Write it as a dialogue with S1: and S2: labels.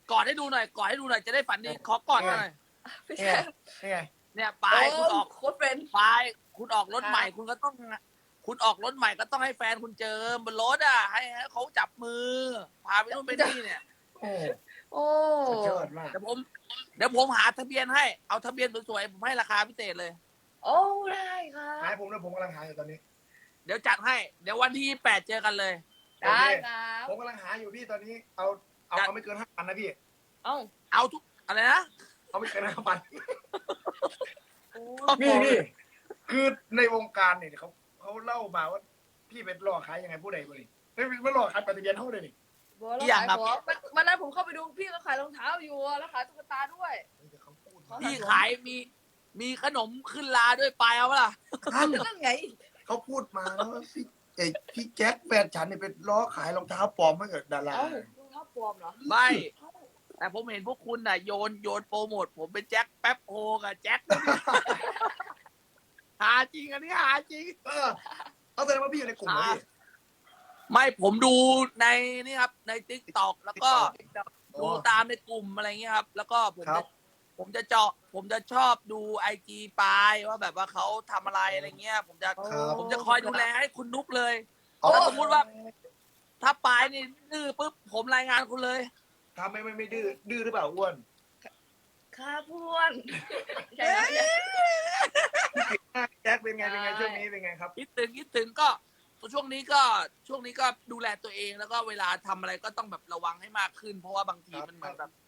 S1: กอดให้ดูหน่อยกอดให้ดูหน่อยจะได้ฝันดีขอกอดหน่อย
S2: พี่
S3: นี่
S2: แซ
S3: ไง
S2: ม
S3: นี่ไง
S1: เนี่ยปลายคุณออก
S2: โคตรเป็น
S1: ปลายคุณออกรถใหม่คุณก็ต้อง คุณออกรถใหม่ก็ต้องให้แฟนคุณเจอบนรถอ่ะให้เขาจับมือ พาไปนู่นไปนี่เนี่ย
S3: โอ้
S2: โอ้
S3: สุดยอดมาก
S1: เดี๋ยวผมหาทะเบียนให้เอาทะเบียนสวยๆผมให้ราคาพิเศษเลย
S2: โอ้ได้ครั
S3: หาย
S2: บ
S3: ผมแล้วผมกำลังหาอยู่ตอนนี้
S1: เดี๋ยวจัดให้ เดี๋ยววันที่8เจอกันเลย
S2: ได้ครับ
S3: ผมกำลังหาอยู่พี่ตอนนี้ เอาไม่เกิน5,000นะพี่
S2: เอ้า
S1: เอาทุกอะไรนะ
S3: เอาไม่เกิน5,000
S2: โอ้
S3: นี่คือในวงการเนี่ยเขาเล่ามาว่าพี่เป็นหลอกขายยังไงผู้ใดบ่นี่ไม่หลอกขายปฏิเสธเท่าเลยนี่
S2: บัวแล้วขายของวันนั้นผมเข้าไปดูพี่ก็ขายรองเท้าอยู่แล้วขายตุ๊กตาด้วย
S3: แต่เขาพูด
S1: พี่ขายมีขนมขึ้นลาด้วยปลายเอาปะล่ะ
S2: นั่นไง
S3: เขาพูดมาแล้วว่าพี่แจ็คแฟนฉันเนี่ยเป็นล้อขายรองเท้าปลอมให้กับดารา
S2: เอ้ารองเท้าปลอมเหรอ
S1: ไม่ แต่ผมเห็นพวกคุณน่ะโยนโปรโมทผมเป็นแจ็คแป๊บโฮกับแจ็ค หาจริงอันนี้หาจริง
S3: เอาแสดงว่าพี่อยู่ในกลุ่มเหรอพี่
S1: ไม่ผมดูในนี่ครับในทิกตอกแล้วก็
S3: อ๋อ
S1: ดูตามในกลุ่มอะไรเงี้ยครับ แล้วก็ผม
S3: ครั
S1: จะ
S3: บ
S1: ผมจะชอบดูIG ปายว่าแบบว่าเขาทำอะไรอะไรเงี้ย ผมจะคอยดูแลให้คุณนุกเลย
S3: อ๋อ
S1: แล้วสมมติว่า ถ้าปายนี่ดื้อปุ๊บผมรายงานคุณเลย
S3: ทำไม่ดื้อหรือเปล่าอ้วน
S2: ครับพวนใช่ครับ
S3: แจ็คเป็นไงช่วงนี้เป็นไงครับ
S1: คิดถึงก็ช่วงนี้ก็ดูแลตัวเองแล้วก็เวลาทำอะไรก็ต้องแบบระวังให้มากขึ้น เพราะว่าบางทีมันเหมือนแบบ